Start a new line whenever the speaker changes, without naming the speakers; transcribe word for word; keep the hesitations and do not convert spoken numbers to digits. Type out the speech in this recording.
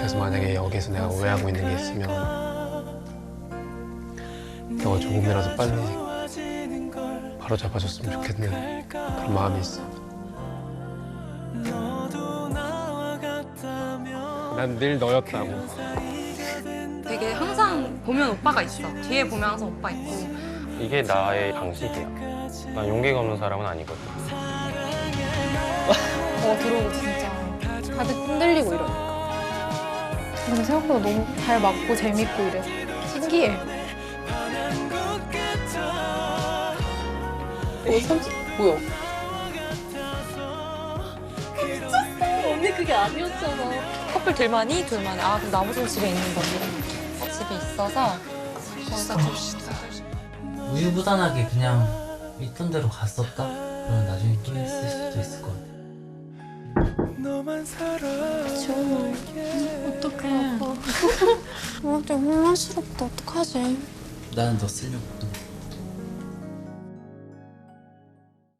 그래서 만약에 여기서 내가 오해하고 있는 게 있으면 너가 조금이라도 빨리 바로 잡아줬으면 좋겠는 그런 마음이 있어. 난 늘 너였다고.
되게 항상 보면 오빠가 있어. 뒤에 보면 항상 오빠 있고.
이게 나의 방식이야. 난 용기가 없는 사람은 아니거든.
어 들어오고 진짜 다들 흔들리고 이러니까. 근데 생각보다 너무 잘 맞고 재밌고 이래. 신기해.
어, 삼십 뭐야? 미쳤어. 언니 그게 아니었잖아.
커플 둘만이? 둘만이. 아, 그럼 나머지는 집에 있는 거지. 집에 있어서 거기서 좀
우유부단하게 그냥 있던 대로 갔었다? 그러면 나중에 또 있을 수도 있을 것 같아.
지원아, 어떡해. 나한테 혼란스럽다. 어떡하지?
나는 너 쓰려고.